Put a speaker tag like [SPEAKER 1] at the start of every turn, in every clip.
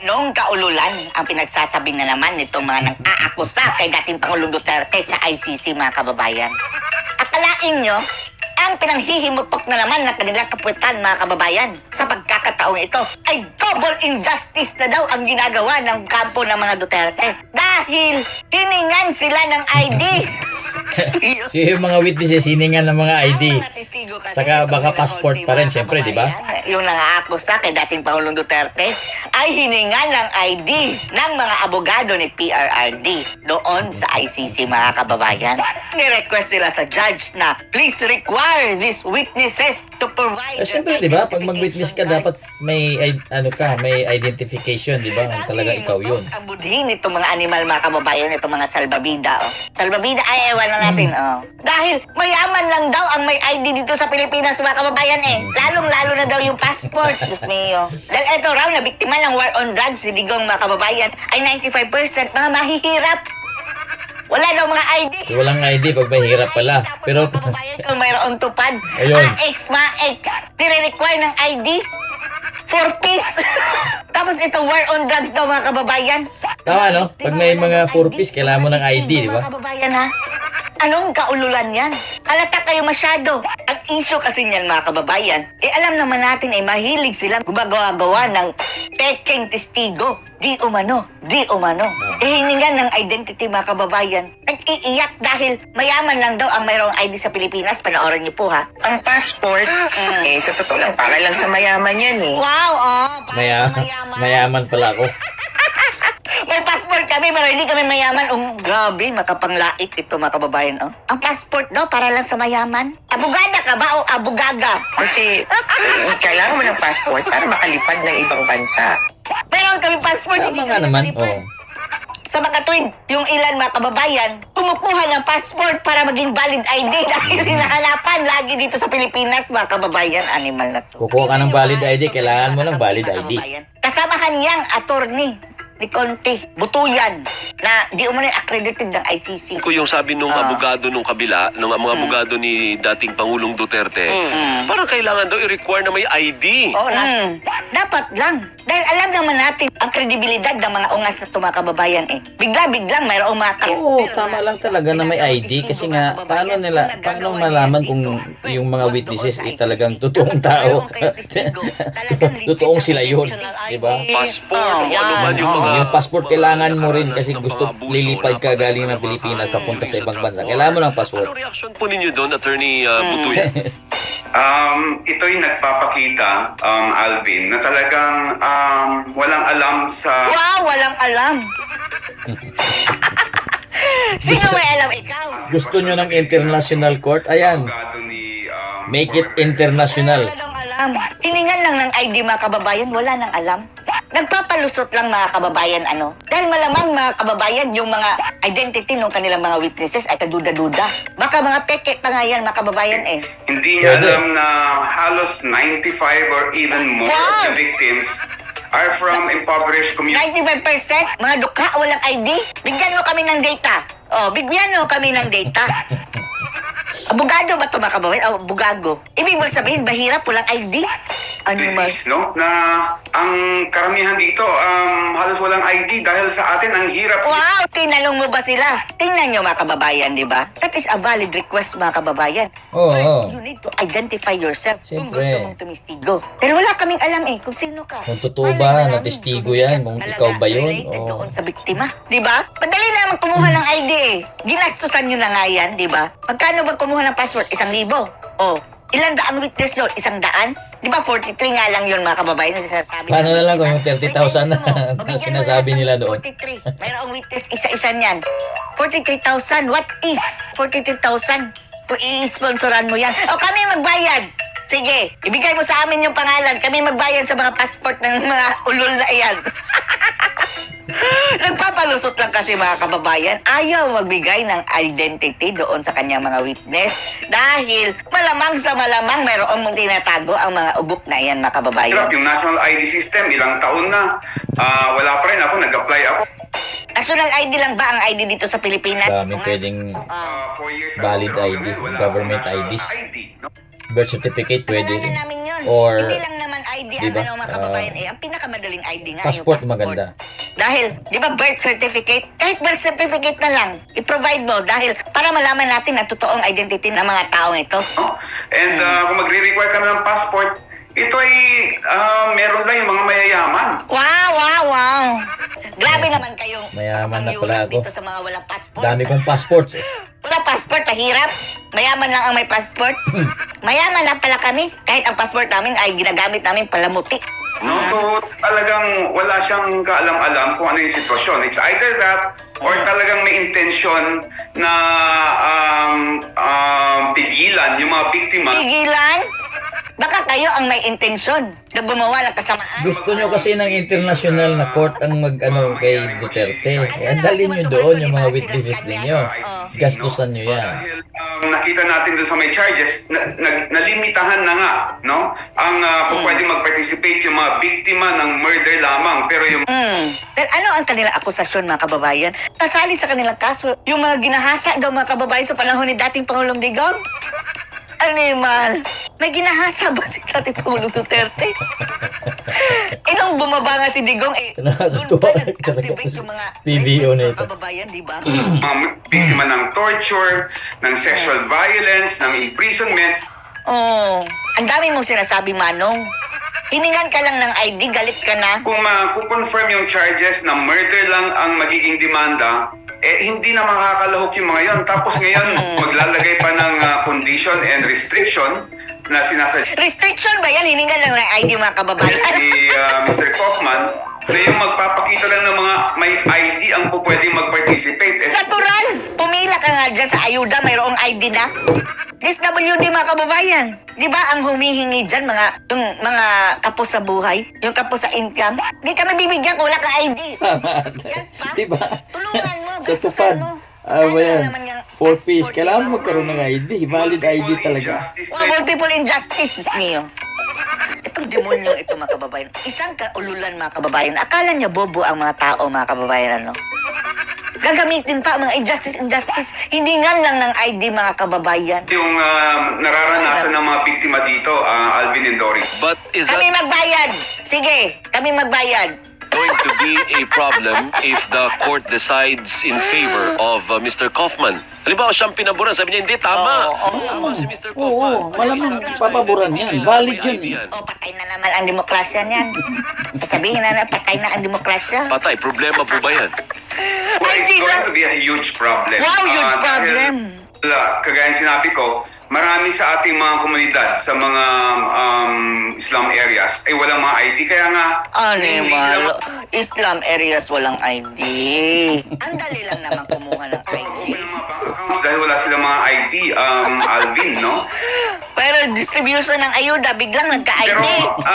[SPEAKER 1] Noong kaululan, ang pinagsasabi na naman nitong mga nang-aakusa kay dating Pangulong Duterte sa ICC, mga kababayan. Akalain nyo, ang pinanghihimutok na naman ng kanilang kapulitan, mga kababayan, sa pagkakataong ito ay double injustice na daw ang ginagawa ng kampo ng mga Duterte. Dahil hiningan sila ng ID.
[SPEAKER 2] So yung mga witnesses, hiningan ng mga ID.
[SPEAKER 1] Mga testigo kasi
[SPEAKER 2] Saka
[SPEAKER 1] itong
[SPEAKER 2] baka
[SPEAKER 1] mga
[SPEAKER 2] passport
[SPEAKER 1] ulti,
[SPEAKER 2] pa rin,
[SPEAKER 1] mga
[SPEAKER 2] syempre, di ba?
[SPEAKER 1] kababayan, yung nang-aakusa kay dating Pangulong Duterte ay hiningan ng ID ng mga abogado ni PRRD doon sa ICC, mga kababayan. Ni-request sila sa judge na please require these witnesses to provide
[SPEAKER 2] Syempre, di ba? Pag mag-witness ka, dapat may, may identification, di ba? Talaga ikaw yun.
[SPEAKER 1] Ang budhin itong mga animal, mga kababayan, itong mga salbabida. Oh. Salbabida, ay ewan na natin. Oh. Dahil mayaman lang daw ang may ID dito sa Pilipinas, mga kababayan eh. Lalong-lalo na daw yung passport. Diyos mio. Dahil ito raw, na biktima ng war on drugs, si Digong, mga kababayan, ay 95% mga mahihirap. Wala daw mga ID.
[SPEAKER 2] So, walang ID pag mahirap pala. Pero,
[SPEAKER 1] Mga kababayan, kung mayroon tupad,
[SPEAKER 2] Ayun.
[SPEAKER 1] ma-ex, nire-require ng ID. 4-piece. Tapos itong war on drugs daw, mga kababayan.
[SPEAKER 2] tama no? Pag may mga 4-piece, kailangan mo ng ID, di ba?
[SPEAKER 1] Mga kababayan ha? Anong kaululan yan? Halata kayo masyado. Ang issue kasi niyan, mga kababayan, alam naman natin ay mahilig silang gumagawa-gawa ng peking testigo. Di umano. Hiningan ng identity, mga kababayan. Nag-iiyak dahil mayaman lang daw ang mayroong ID sa Pilipinas. Panoorin niyo po ha.
[SPEAKER 3] Ang passport, sa totoo lang, para lang sa mayaman yan eh.
[SPEAKER 1] Wow, parang
[SPEAKER 2] Mayaman pala ako.
[SPEAKER 1] May passport kami, pero hindi kami mayaman. Grabe, makapanglait ito, mga kababayan. Ang passport daw, para lang sa mayaman. Abogada ka ba o abugaga?
[SPEAKER 3] Kasi kailangan mo ng passport para makalipad ng ibang bansa.
[SPEAKER 1] Meron kami passport.
[SPEAKER 2] Tama
[SPEAKER 1] hindi
[SPEAKER 2] nga
[SPEAKER 1] kami
[SPEAKER 2] naman.
[SPEAKER 1] nakalipad.
[SPEAKER 2] Oh.
[SPEAKER 1] Sa mga tuwid, yung ilan, mga kababayan, kumukuha ng passport para maging valid ID dahil hinahanapan lagi dito sa Pilipinas, mga kababayan. Animal na to.
[SPEAKER 2] Kukuha ka ng valid ID, kailangan mo ng valid
[SPEAKER 1] Mga
[SPEAKER 2] ID.
[SPEAKER 1] kababayan. Kasamahan niyang attorney ni Conte, Butuyan, na di umano accredited ng ICC.
[SPEAKER 4] Ko yung sabi nung abogado nung kabila, nung mga abogado ni dating Pangulong Duterte, parang kailangan daw i-require na may ID.
[SPEAKER 1] Dapat lang. Dahil alam naman natin ang kredibilidad ng mga ungas na mga kababayan eh. Bigla-biglang mayroong mga
[SPEAKER 2] Oo, tama lang talaga na may ID kasi nga, paano malaman kung yung mga witnesses ay talagang totoong tao? Totoong sila yun, di ba?
[SPEAKER 4] Passport, o ano man yung mga...
[SPEAKER 2] Yung passport kailangan mo rin kasi gusto lilipad ka galing ng Pilipinas papunta sa ibang bansa. Kailangan mo ng passport.
[SPEAKER 4] Ano reaction po ninyo doon, Attorney Butuyan?
[SPEAKER 5] Ito'y nagpapakita, Alvin, na talagang walang alam sa...
[SPEAKER 1] Wow, walang alam. Sino may alam? Ikaw.
[SPEAKER 2] Gusto nyo ng international court? Ayan,
[SPEAKER 5] abogado ni,
[SPEAKER 2] make it international.
[SPEAKER 1] Wala nang alam. Hiningan lang ng ID, mga kababayan, wala nang alam. Nagpapalusot lang, mga kababayan, Dahil malamang, mga kababayan, yung mga identity ng kanilang mga witnesses ay kaduda-duda. Baka mga peke pa nga yan, mga kababayan eh.
[SPEAKER 5] Hindi niya
[SPEAKER 2] Pwede.
[SPEAKER 5] alam na halos 95 or even more of the victims are from impoverished communities.
[SPEAKER 1] 95%, mga dukha, walang ID. Bigyan mo kami ng data. Bigyan mo kami ng data. Abogado ba ito, mga kababayan? Abogado. Ibig mo sabihin, mahirap, walang ID? Animal.
[SPEAKER 5] No? Na ang karamihan dito halos walang ID dahil sa atin ang hirap.
[SPEAKER 1] Wow! Tinanong mo ba sila? Tingnan nyo, mga kababayan, di ba? That is a valid request, mga kababayan.
[SPEAKER 2] Oo.
[SPEAKER 1] First, you need to identify yourself kung
[SPEAKER 2] Siyempre.
[SPEAKER 1] gusto mong tumistigo. Dahil wala kaming alam kung sino ka.
[SPEAKER 2] Kung totoo ba, na testigo yan, kung ikaw ba yun,
[SPEAKER 1] Related
[SPEAKER 2] o-
[SPEAKER 1] doon sa biktima. Di ba? Madali naman kumuha ng ID eh. Ginastusan nyo na nga yan, di ba? Magkano ba kumuha ng passport? 1,000. Ilan daang witness yun? 100? Di ba 43 nga lang yun, mga kababayan, na sinasabi.
[SPEAKER 2] Paano
[SPEAKER 1] ng
[SPEAKER 2] na lang kung
[SPEAKER 1] witness?
[SPEAKER 2] yung 30,000 na
[SPEAKER 1] Bigyan mo. O, bigyan mo
[SPEAKER 2] sinasabi
[SPEAKER 1] lang
[SPEAKER 2] nila
[SPEAKER 1] ng
[SPEAKER 2] doon?
[SPEAKER 1] 43. Mayroong witness, isa-isa niyan. 43,000. What is 43,000? Kung i-sponsoran mo yan. O, kami magbayad. Sige, ibigay mo sa amin yung pangalan. Kami magbayad sa mga passport ng mga ulol na iyan. Nagpapalusot lang kasi, mga kababayan, ayaw magbigay ng identity doon sa kanyang mga witness dahil malamang sa malamang mayroong mong tinatago ang mga ugok na yan, mga kababayan.
[SPEAKER 5] Hirap yung national ID system, ilang taon na. Wala pa rin ako, nag-apply ako.
[SPEAKER 1] National ID lang ba ang ID dito sa Pilipinas?
[SPEAKER 2] Dami pwedeng
[SPEAKER 5] 4 years
[SPEAKER 2] Valid
[SPEAKER 5] ago,
[SPEAKER 2] ID,
[SPEAKER 5] wala
[SPEAKER 2] government
[SPEAKER 5] akong national
[SPEAKER 2] IDs.
[SPEAKER 5] ID, no?
[SPEAKER 2] birth certificate pwede
[SPEAKER 1] Kasalanan
[SPEAKER 2] rin.
[SPEAKER 1] namin yun.
[SPEAKER 2] Or,
[SPEAKER 1] Hindi lang naman ID
[SPEAKER 2] diba,
[SPEAKER 1] ang mga kababayan ang pinakamadaling ID nga
[SPEAKER 2] passport
[SPEAKER 1] yung
[SPEAKER 2] maganda.
[SPEAKER 1] Dahil, di ba birth certificate? Kahit birth certificate na lang, i-provide mo dahil para malaman natin ang totoong identity ng mga taong ito.
[SPEAKER 5] No? And kung magre-require ka ng passport, ito ay meron lang yung mga mayayaman.
[SPEAKER 1] Wow! Grabe naman kayong
[SPEAKER 2] Mayaman na
[SPEAKER 1] panyuran
[SPEAKER 2] pala ako.
[SPEAKER 1] dito sa mga walang passport.
[SPEAKER 2] Dami kong passports eh.
[SPEAKER 1] Wala passport, mahirap. Mayaman lang ang may passport. Mayaman na pala kami. Kahit ang passport namin ay ginagamit namin palamuti.
[SPEAKER 5] No? So talagang wala siyang kaalam-alam kung ano yung sitwasyon. It's either that or talagang may intention na pigilan yung mga biktima.
[SPEAKER 1] Pigilan? Baka kayo ang may intensyon na gumawa ng kasamaan.
[SPEAKER 2] Gusto nyo kasi ng international na court ang mag-ano kay Duterte. Kaya dalhin nyo doon yung mga witnesses ninyo. Gastusan nyo yan.
[SPEAKER 5] Dahil nakita natin doon sa may charges, nalimitahan na nga, no? Ang pwede mag-participate yung mga biktima ng murder lamang. Pero yung
[SPEAKER 1] Dahil ano ang kanilang akusasyon, mga kababayan? Kasali sa kanilang kaso, yung mga ginahasa daw mga kababayan sa panahon ni dating Pangulong Digong? Animal, may ginahasa ba si dating Pangulong Duterte? Nung bumaba nga si Digong, doon
[SPEAKER 2] Nakakatuwa
[SPEAKER 1] pa
[SPEAKER 2] talaga
[SPEAKER 1] nag-activate
[SPEAKER 2] sa
[SPEAKER 1] yung mga
[SPEAKER 2] PBO na
[SPEAKER 1] mga
[SPEAKER 2] ito.
[SPEAKER 1] kababayan, di ba?
[SPEAKER 5] mga biktima ng torture, ng sexual violence, ng imprisonment.
[SPEAKER 1] Oh, ang dami mong sinasabi, Manong. Hiningan ka lang ng ID, galit ka na.
[SPEAKER 5] Kung ma-confirm yung charges na murder lang ang magiging demanda, hindi na makakalahok yung mga yon. Tapos ngayon, maglalagay pa ng condition and restriction na sinasadya
[SPEAKER 1] Restriction ba yan? Hiningan lang ng ID, mga kababayan.
[SPEAKER 5] ni Mr. Kaufman na yung magpapakita lang ng mga may ID ang pwedeng mag-participate.
[SPEAKER 1] Natural! Pumila ka nga dyan sa ayuda, mayroong ID na. SWD, mga kababayan. Di ba ang humihingi dyan, yung mga kapos sa buhay, yung kapos sa income? Di kami bibigyan kung wala kang ID.
[SPEAKER 2] Tama.
[SPEAKER 1] Yan pa.
[SPEAKER 2] Diba?
[SPEAKER 1] Tulungan mo,
[SPEAKER 2] Sa
[SPEAKER 1] gastusan
[SPEAKER 2] tupad.
[SPEAKER 1] mo.
[SPEAKER 2] Ano
[SPEAKER 1] Kaya
[SPEAKER 2] yan?
[SPEAKER 1] naman yung
[SPEAKER 2] 4 piece.
[SPEAKER 1] passport,
[SPEAKER 2] Kailangan
[SPEAKER 1] diba?
[SPEAKER 2] magkaroon ng ID. Valid ID talaga.
[SPEAKER 1] Mga multiple injustice, Diyos mio. Itong demonyo ito, mga kababayan. Isang kaululan, mga kababayan. Akala niya bobo ang mga tao, mga kababayan, ano? Gagamitin pa ang mga injustice. Hindi nga lang ng ID, mga kababayan.
[SPEAKER 5] Yung nararanasan ng mga biktima dito, Alvin and Doris.
[SPEAKER 4] But is
[SPEAKER 1] Kami
[SPEAKER 4] that
[SPEAKER 1] magbayad! Sige, kami magbayad.
[SPEAKER 4] going to be a problem if the court decides in favor of Mr. Kaufman? Halimbawa, siyang pinaboran. Sabi niya, hindi, tama. Tama si Mr. Kaufman.
[SPEAKER 2] Oo, malamang papaboran yan. Valid yun eh.
[SPEAKER 1] O, patay na naman ang demokrasya niyan. Sasabihin na patay na ang demokrasya.
[SPEAKER 4] Patay, problema po ba yan?
[SPEAKER 5] Well,
[SPEAKER 1] Ay,
[SPEAKER 5] it's
[SPEAKER 1] sino?
[SPEAKER 5] going to be a huge problem.
[SPEAKER 1] Wow, huge
[SPEAKER 5] Dahil,
[SPEAKER 1] problem.
[SPEAKER 5] Kagaya sinabi ko, marami sa ating mga komunidad sa mga Islam areas ay walang mga ID. Kaya nga, hindi
[SPEAKER 1] Animal.
[SPEAKER 5] sila
[SPEAKER 1] Islam areas walang ID. Ang dali lang naman kumuha ng ID.
[SPEAKER 5] makakuha ng mga bank accounts dahil wala silang mga ID, Alvin, no?
[SPEAKER 1] Pero distribution ng ayuda, biglang
[SPEAKER 5] Pero
[SPEAKER 1] nagka-ID.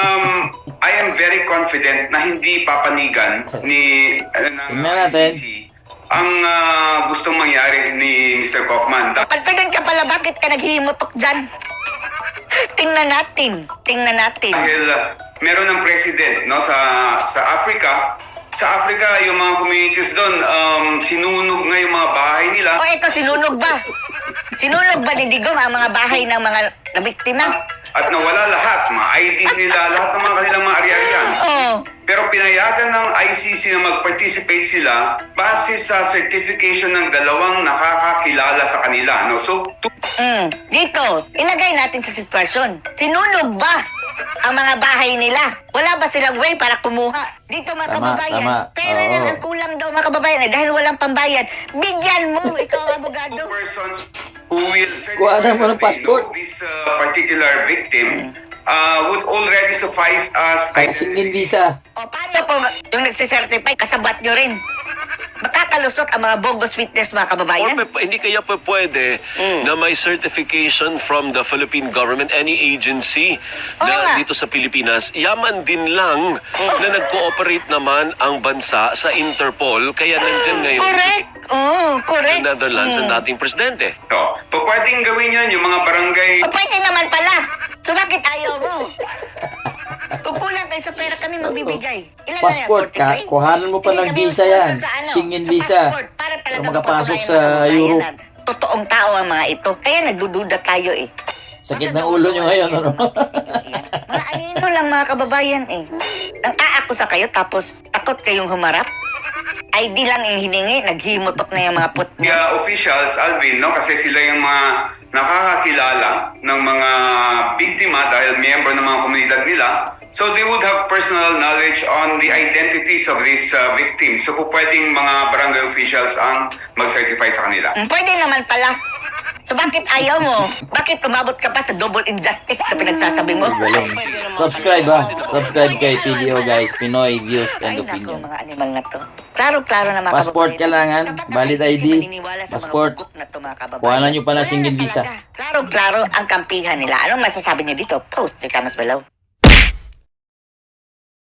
[SPEAKER 5] I am very confident na hindi papanigan ni ng
[SPEAKER 2] Tingnan natin.
[SPEAKER 5] ICC ang gustong mangyari ni Mr. Kaufman.
[SPEAKER 1] Pagpagan ka pala, bakit ka naghihimutok dyan? Tingnan natin.
[SPEAKER 5] Dahil meron ng president, no, sa Africa. Sa Africa, yung mga communities doon, sinunog nga yung mga bahay nila.
[SPEAKER 1] O eto, sinunog ba? Sinunog ba ni Digong ang mga bahay ng mga nabiktima?
[SPEAKER 5] At nawala lahat, mga IDs nila, lahat ng mga kanilang mga ari-arian.
[SPEAKER 1] Oo.
[SPEAKER 5] Pero pinayagan ng ICC na mag-participate sila base sa certification ng dalawang nakakakilala sa kanila. No? So,
[SPEAKER 1] Dito, ilagay natin sa sitwasyon. Sinunog ba ang mga bahay nila? Wala ba silang way para kumuha? Dito, mga
[SPEAKER 2] Tama,
[SPEAKER 1] kababayan,
[SPEAKER 2] tama.
[SPEAKER 1] pera
[SPEAKER 2] Oo.
[SPEAKER 1] lang ang kulang daw, mga kababayan, dahil walang pambayad. Bigyan mo, ikaw ang abogado.
[SPEAKER 5] persons who will
[SPEAKER 2] Kuhanan mo ng passport.
[SPEAKER 5] know this particular victim would already suffice as
[SPEAKER 2] Sa singin visa.
[SPEAKER 1] O paano po yung nagsisertify, kasabat nyo rin? Makakalusot ang mga bogus witness, mga kababayan?
[SPEAKER 4] Hindi kaya pa pwede na may certification from the Philippine government, any agency
[SPEAKER 1] Oo
[SPEAKER 4] na
[SPEAKER 1] nga.
[SPEAKER 4] dito sa Pilipinas, yaman din lang na nag-cooperate naman ang bansa sa Interpol, kaya nandyan ngayon
[SPEAKER 1] Correct. Oh,
[SPEAKER 4] sa
[SPEAKER 1] correct.
[SPEAKER 4] Netherlands ang dating presidente.
[SPEAKER 5] So, pwedeng gawin yan yung mga barangay.
[SPEAKER 1] O pwede naman pala. So bakit ayaw mo? Kung kulang kayo sa pera, kami magbibigay. Ilan
[SPEAKER 2] Passport
[SPEAKER 1] na yan?
[SPEAKER 2] ka, kuhanan mo pa
[SPEAKER 1] Sige,
[SPEAKER 2] ng
[SPEAKER 1] kami
[SPEAKER 2] visa
[SPEAKER 1] mag-sponsor
[SPEAKER 2] yan.
[SPEAKER 1] sa
[SPEAKER 2] Schengen
[SPEAKER 1] sa
[SPEAKER 2] visa.
[SPEAKER 1] passport, para talaga
[SPEAKER 2] Para makapasok
[SPEAKER 1] mapatunayan
[SPEAKER 2] sa
[SPEAKER 1] ng mga kababayan
[SPEAKER 2] Europe.
[SPEAKER 1] na totoong tao ang mga ito. Kaya nagdududa tayo eh.
[SPEAKER 2] Sakit ng ulo nyo ngayon, ano?
[SPEAKER 1] Mga anino lang mga kababayan eh. Nang aakusa kayo tapos takot kayong humarap? ID lang yung hiningi, naghimutok na yung mga put
[SPEAKER 5] The officials, Alvin, no, kasi sila yung mga nakakakilala ng mga biktima dahil miyembro ng mga komunidad nila. So they would have personal knowledge on the identities of these victims. So kung pwedeng mga barangay officials ang mag-certify sa kanila.
[SPEAKER 1] Pwede naman pala. So bakit ayaw mo? Bakit tumabot ka pa sa double injustice na pinagsasabi mo?
[SPEAKER 2] Galing. Subscribe ha. Subscribe kay PDO guys. Pinoy Views and
[SPEAKER 1] Ay nako,
[SPEAKER 2] Opinion.
[SPEAKER 1] mga animal na to. Klaro-klaro na mga
[SPEAKER 2] Passport
[SPEAKER 1] kababayan.
[SPEAKER 2] kailangan,
[SPEAKER 1] Kapag
[SPEAKER 2] valid
[SPEAKER 1] ang
[SPEAKER 2] ID,
[SPEAKER 1] maniniwala sa mga
[SPEAKER 2] passport.
[SPEAKER 1] hukom na to, mga kababayan,
[SPEAKER 2] Kuhanan nyo pa ng
[SPEAKER 1] wala
[SPEAKER 2] single
[SPEAKER 1] na
[SPEAKER 2] visa.
[SPEAKER 1] talaga. Klaro-klaro ang kampihan nila. Anong masasabi niyo dito? Post your comments below.